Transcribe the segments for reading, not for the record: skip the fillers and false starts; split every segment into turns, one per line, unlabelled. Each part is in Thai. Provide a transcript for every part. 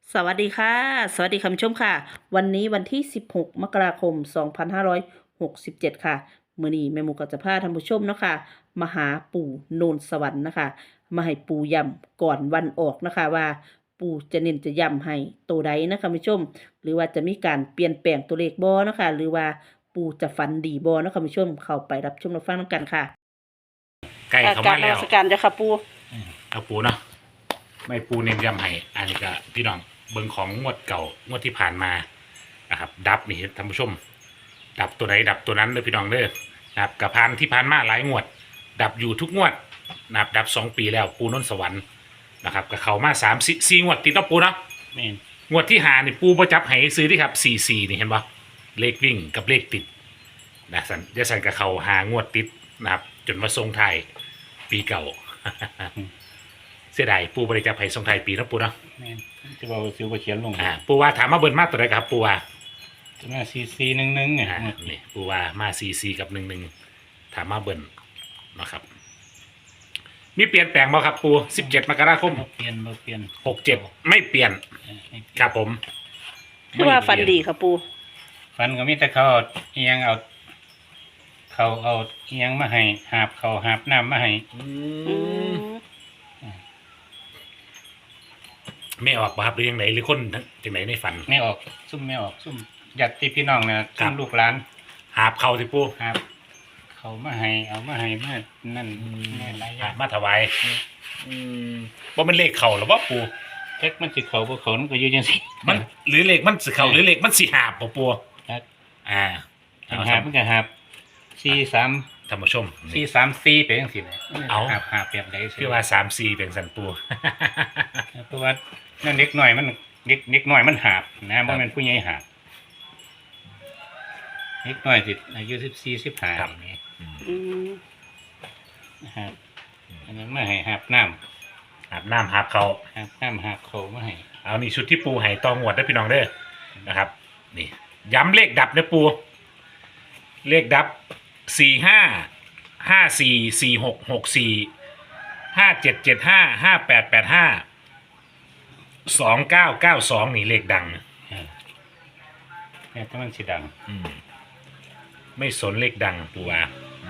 สวัสดีค่ะสวัสดีคุณผู้ชมค่ะวันนี้วันที่16มกราคม2567ค่ะมื้อนี้แม่หมูก็จะพาท่านผู้ชมเนาะค่ะมาหาปู่โนนสวรรค์นะคะมาให้ปู่ย้ำก่อนวันออกนะคะว่าปู่จะเน้นจะย้ำให้ตัวใดนะคะคุณผู้ชมหรือว่าจะมีการเปลี่ยนแปลงตัวเลขบ่เนาะค่ะหรือว่าปู่จะฝันดีบ่เนาะค่ะคุณผู้ชมเข้าไปรับชมรับฟังนำกันค่ะ
ใกล้เข้ามาแล้ว
กรนมัสการเจ้าค่ะปู่
เอาปูเนาะไม่ปูเน้นย้ำให้อันนี้ก็พี่น้องเบิ่งของงวดเก่างวดที่ผ่านมานะครับดับนี่ท่านผู้ชม ดับตัวไหนดับตัวนั้นเลยพี่น้องเด้อนะครับกับผ่านที่ผ่านมาหลายงวด ดับอยู่ทุกงวดนะครับดับ2 ปีแล้วปูนนท์สวรรค์นะครับกับเขามา3 4งวดติดเนาะปูเนาะ
แม่น
งวดที่หานี่ปูประจับให้ซื้อที่ครับ44นี่เห็นปะเลขวิ่งกับเลขติดนะสันเดี๋ยวสันกับเขาหางวดติดนะครับจนมาทรงไทายปีเก่า เสียดายปูบริจาคให้ทรงไทายปีนะปูเนาะ
แม่นจะบอกว่าสิวบ่เขียนลง
ปูว่าถามมาเบิร์นมากตัวไหนครับปูว่า
จะมา4411เนี่ย
นี่ปูว่ามา44กับ11ถามมาเบิร์นนะครับมีเปลี่ยนแปลงบ่ครับปู17 มกราคม
บ่เปลี่ยน
67ไม่เปลี่ยน ครับผม
คือว่าฝันดีค่ะปู่
ฟันก็มีแต่เขาเอาอีหยังเอาเขาเอาอีหยังมาให้หาบเขาหาบน้ำมาให้
ไม่ออกบ่ครับหรือยังไงหรือคนจังไหนในฝัน
ไม่ออกซุ่มไม่ออกซุ่มญาติพี่น้องน่ะ
ครั
ซุ่
บ
มลูกหลาน
หาบเขาที่ปู
หาบเขามาให้เอามาให้มานั่นแม่หลายอย่าง
มาถวายว่ามันเลขเข่าหรือว่าปู
เท็กมันสิเขาบ่เขามันก็อยู่จังซี่
มันหรือเลขมันสิเข่าหรือเลขมันสิหาบบ่ปู
ครับ
เอา
หาบมันก็หาบ43
ท่านผู้ชม
434ไปจังซี่แหละ
เอา
หาบแบบใดสิ
คือว่า3-4เป็นสันปู
เพราะว่านั่นเด็กหน่อยมันเด็กหน่อยมันหาบนะบ่แม่นผู้ใหญ่หาบเด็กน้อยสิอายุ14 15นี่ นะครับอันนั้นมาให้หาบน้
อาบน้ำหาบเขา
ำหาบน้ำหาบเขามาให้
เอานี่ชุดที่ปูให้ตองหวดได้อพี่น้องเด้อนะครับนี่ย้ำเลขดับเด้อปูเลขดับ45 54 46 64 5775 5885 2992นี่เลขดัง
แต่ถ้ามันสิดัง
ไม่สนเลขดังปูว่า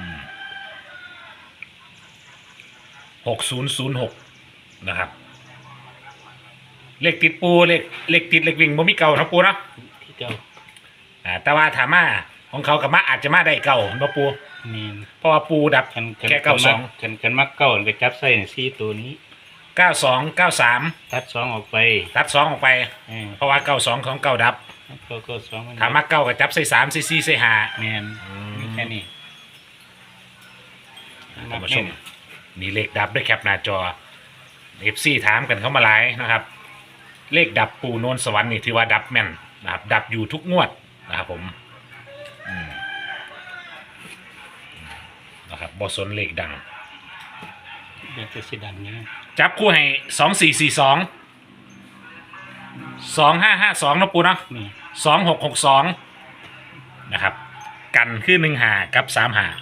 6006นะครับเลขติดปูเลขติดเลขวิ่งบ่มีเก่านะปูเนาะ
ที่เก่า
แต่ว่าถามมาของเขากับมาอาจจะมาได้เก่าบ่ปู
นี่
เพราะว่าปูดับ
คัน
แค่92
คันมักเก่าก็จับใส่4ตัวนี้
92 93
ตัด2ออกไป
ตัด2ออกไป เพราะว่า92ของเก่าดับ
ก็2มัน
ถามมาเก่าก็จับใส่3ใส่4ใส่5
แม่นมีแค่นี้
ท่านผู้ชมนี่เลขดับด้วยแคปหน้าจอ FC ถามกันเข้ามาหลายนะครับ เลขดับปูโนนสวรรค์นี่ถือว่าดับแม่นนะครับดับอยู่ทุกงวดนะครับผมนะครับบอสนเลขดัง
เดี๋ยวจะสิดังนี้
จับคู่ให้2442 2552นะปูเนาะ
นี่
2662นะครับกันคือ15กับ35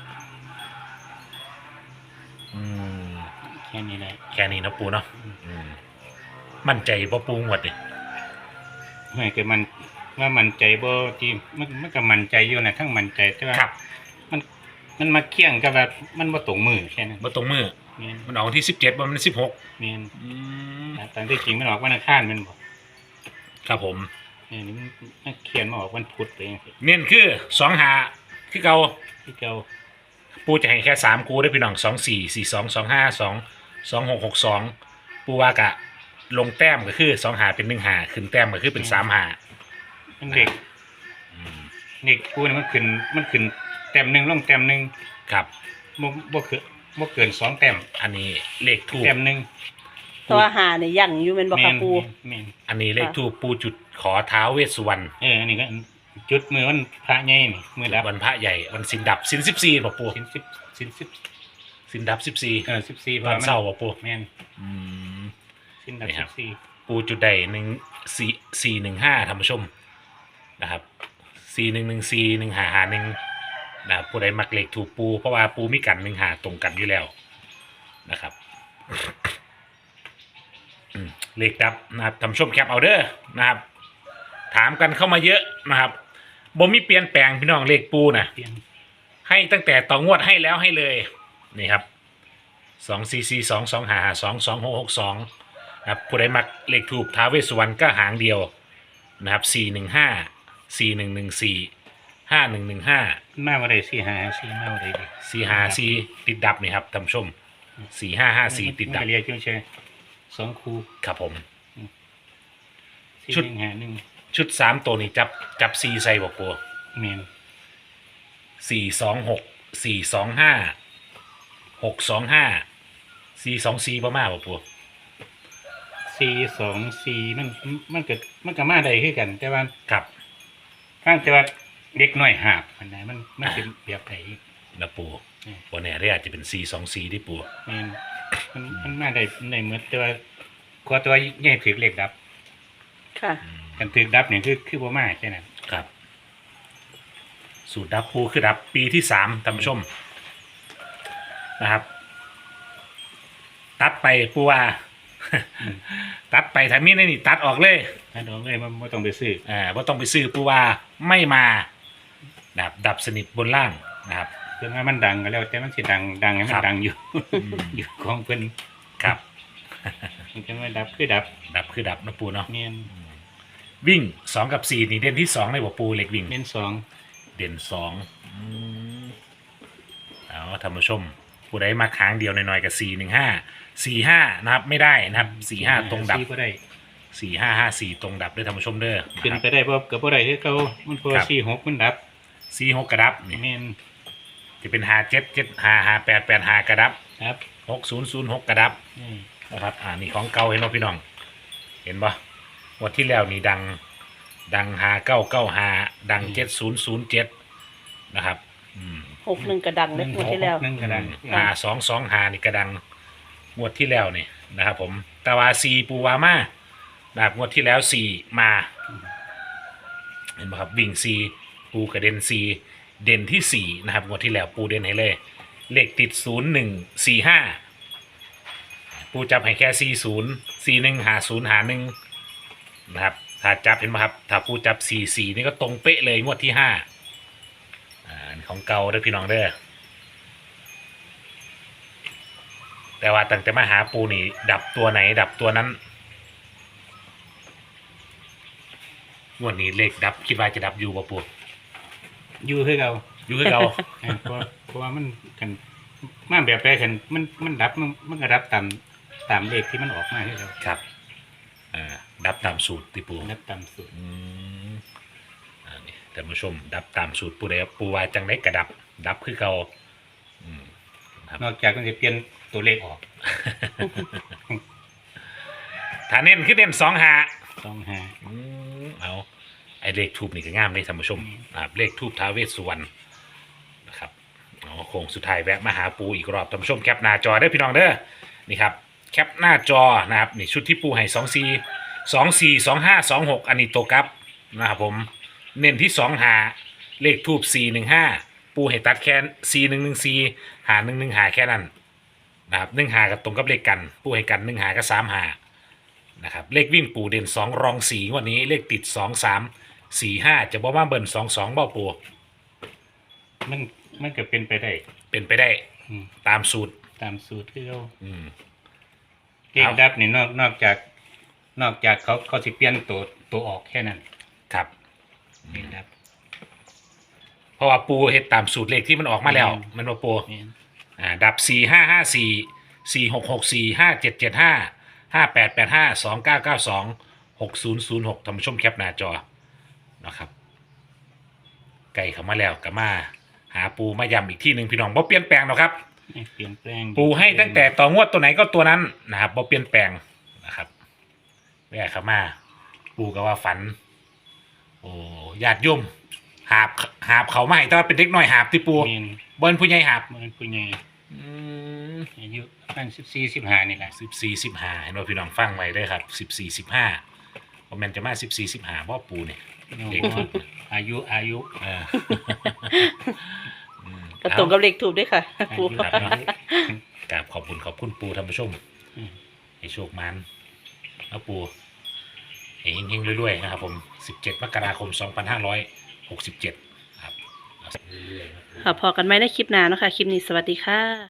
แค่นี้แหละ
แค่นี้นะปูเนาะมั่นใจบ่ปูงวดนี่
ไม่ก็มันว่ามันใจบ่ที่มันก็มันใจอยู่นะทั้งมันใจแต่ว่า
ครับ
มันมาเคี่ยงกับแบบมันบ่ตรงมือแค่นั้น
บ่ตรงมือ
แม่น
มันออกวันที่17บ่มัน16
แม่นตอนที่จริงมันออกวันอังคารแมันบ่
ครับผม
นี่มันเขียนมาออกวันพุธไปจังซี่
เน้นคือ25คือเก่า
ที่เก่า
ปูจะให้แค่3คู่ได้อพี่น้อง24 42 25 2 2662ปูว่ากะลงแต้มก็คือ2หาเป็น1หาขึ้นแต้มก็คือเป็น3หา
มันเด็กกูนี่มันขึ้นแต้มหนึงลงแต้มหนึง
ครับ
บ่เกิน2แต้ม
อันนี้เลขทูบ
แต้มหนึง
ตัวหาเนี่ยยังอยู่เป็นบ่ค่ะปู่
แม่น
อันนี้เลขทูบปูจุดขอท้าวเวสสุวรรณ
อันนี้ก็จุดมือวันพระใหญ่นี่มือดับ
วันพระใหญ่วันสินดับสิน14บ่ปู
สิน10
สินดับ14
14เพ
วั
ราะ
น
มัน
เสาร์บ่ปู
แม่น
อืม
สินดับ
นี่ครับ
14
ปูจุดใด415ท่านผู้ชมนะครับ41141551นะครับผู้ใดมักเลขถูกปูเพราะว่าปูมีกัน1หาตรงกันอยู่แล้วนะครับเลขดับนะครับท่านผู้ชมแคปเอาเด้อนะครับ ถามกันเข้ามาเยอะนะครับบ่มีเปลี่ยนแปลงพี่น้องเลขปูนะ
เปลี่ยน
ให้ตั้งแต่ต่องวดให้แล้วให้เลยนี่ครับ2442255226662นะครับผู้ใดมักเลขถูกท้าวเวสสุวรรณก็หางเดียวนะครับ415 4114 5115
มาบ่ได้4-5-4มาบ่ได้ดิ
454ติดดับนี่ครับท่านผู้ชม4554ติดดับ
มันก็เรียกจังซี่2คู่
ครับผม
4
ชุด
1 5 1
ชุด3ตัวนี้จับ4ใส่บ่ปู
แม่น
426 425 625 424ประมาณบ่ปู
4-2-4มันก็มาได้คือกัน แต่ว่า
ครับ
ทางแต่ว่าเด็กน้อยหาบมันนะมันเป็นแบบไผ
นะปู
อืม
วันนี้เรียอาจจะเป็น424ที่ปู
แม่นมันมาได้ในหมดแต่ว่าขอตัวใหญ่ถือเลขดับ
ค่ะ
กันถือดับนี่คือบ่มาแค่นั้น
ครับ สูตรดับปูคือดับปีที่3ท่านผู้ชมนะครับ ตัดไปปูว่า ตัดไปถ้ามีในนี่ตัดออกเลย
ถ้าดอกเลยมันบ่ต้องไปซื้อ
ว่าต้องไปซื้อปูว่าไม่มาดับสนิทบนล่างนะครับ
เพิ่นว่ามันดังก็แล้วแต่มันสิดังให้มั
ครั
น
บ
ดังอยู่
อืม
อยู่ของเพิ่น
ครับ
มันจะมาดับคือดับ
ดับคือดับนะปูเนาะ
แม่น
วิ่ง2กับ4นี่เด่นที่2ในบ่ปูเล็กวิ่ง
แม่นสอง
เด่นเอาท่านผู้ชม ผู้ใดมาค้างเดียวหน่อยๆกับ415 นะครับ ไม่ได้นะครับ45ตรงดับ
สี่บ่ได้
4554ตรงดับด้วยท่านผู้ชมเด้อ
เป็น
นะ
ไปได้บ่ก็บ่ได้คือเก่ามันเพราะว่า46มันดับ
46กระดับนี่
แม่น
จะเป็น57755885กระดับ
ครับ
6006กระดับ
นี่
นะครับนี่ของเก่าเห็นบ่พี่น้อง เห็นบ่งวดที่แล้วนี่ดัง5995ดัง7007นะครับ
61กระดังเล็กหมดที่แล้ว
นึงก็ดัง
5225นี่กระดังงวดที่แล้วนี่นะครับผมแต่ว่า4ปูวามานะครับงวดที่แล้ว4มาเห็นบ่ครับวิ่ง4ปูกระเด็น4เด่นที่4นะครับงวดที่แล้วปูเด่นให้เลยเลขติด0145ปูจับให้แค่40 41 50 51นะครับถ้าจับเห็นไหมครับถ้าปูจับ44นี่ก็ตรงเป๊ะเลยงวดที่5ของเก่าเด้อพี่น้องเด้อแต่ว่าตั้งแต่มาหาปูนี่ดับตัวไหนดับตัวนั้นงวดนี้เลขดับคิดว่าจะดับอยู่ป่ะปู
อยู่คือเก่า
อยู่คือเก่า
เพราะว่ามันกันมาแบบใดกันมันดับมันก็ดับตามเลขที่มันออกมาคือเก่า
ครับดับตามสูตรที่ปู
ดับตามสูตร
นี่ท่านผู้ชมดับตามสูตรปูได้ปูว่าจังไดกระดับคือเก่าครับ
นอกจากมันจะเปลี่ยนตัวเลขออก
ถ้าเน้นคือเน้น2หา
25
เอาไอเลขทูบนี่ก็งามเลยท่านผู้ชมนะครับเลขทูบท้าวเวสสุวรรณนะครับโค้งสุดท้ายแวะมาหาปูอีกรอบท่านผู้ชมแคปหน้าจอได้อพี่น้องเด้อนี่ครับแคปหน้าจอนะครับนี่ชุดที่ปูให้24 25 26อันนี้ตัวกลับนะครับผมเน้นที่2หาเลขทูบ415ปูให้ตัดแค่4114หา115หาแค่นั้นนะครับ1หากับตรงกับเลขกันปูให้กัน1หากับ3หานะครับเลขวิ่งปูเด่น2รอง4วันนี้เลขติด2 3 4 5จะบอกว่าเบิ่น22เบ้าปู
มันก็เป็นไปได้
เป็นไปได้
อืม
ตามสูตร
ตามสูตรที่เรา
อืม
เลขดับนี่นอกจากเขาสิเปลี่ยนตัวออกแค่นั้น
ครับ
เลขดับ
เพราะว่าปูเฮ็ดตามสูตรเลขที่มันออกมาแล้ว มันว่าปู
นี่
ดับ4554 4664 5775 5885 2992 6006ท่านผู้ชมแคปหน้าจอนะครับไก่เข้ามาแล้วก็มาหาปูมาย้ำอีกที่หนึ่งพี่น้องบ่เปลี่ยนแปลงหรอกครับ
ไม่เปลี่ยนแปลง
ปูให้ตั้งแต่ต่องวดตัวไหนก็ตัวนั้นนะครับบ่เปลี่ยนแปลงนะครับแม่เข้ามาปูก็ว่าฝันโอ้ญาติโยมหาบเขามาให้แต่ว่าเป็นเด็กน้อยหาบที่ปู
แม่น
บนผู้ใหญ่หาบ
มันผู้ใหญ่อายุประมาณ14-15นี่แหละ
14 15เห็นว่าพี่น้องฟังไว้เด้อครับ14 15ว่ามันจะมา14 15บ่ปูเนี่ย เด็กน้อย
อายุ
เออ
ก็ตรงกับเลขถูกด้วยค่ะ
อา
ปู
ยุ
กราบขอบคุณปูท่านผู้ชม
อืม
ให้โชคมันนะปูเฮงๆรวยๆนะครับผม17มกราคม2567ครับเรื่อยๆ
ค่ะพอกันไหมในคลิปหน้าเนาะคะคลิปนี้สวัสดีค่ะ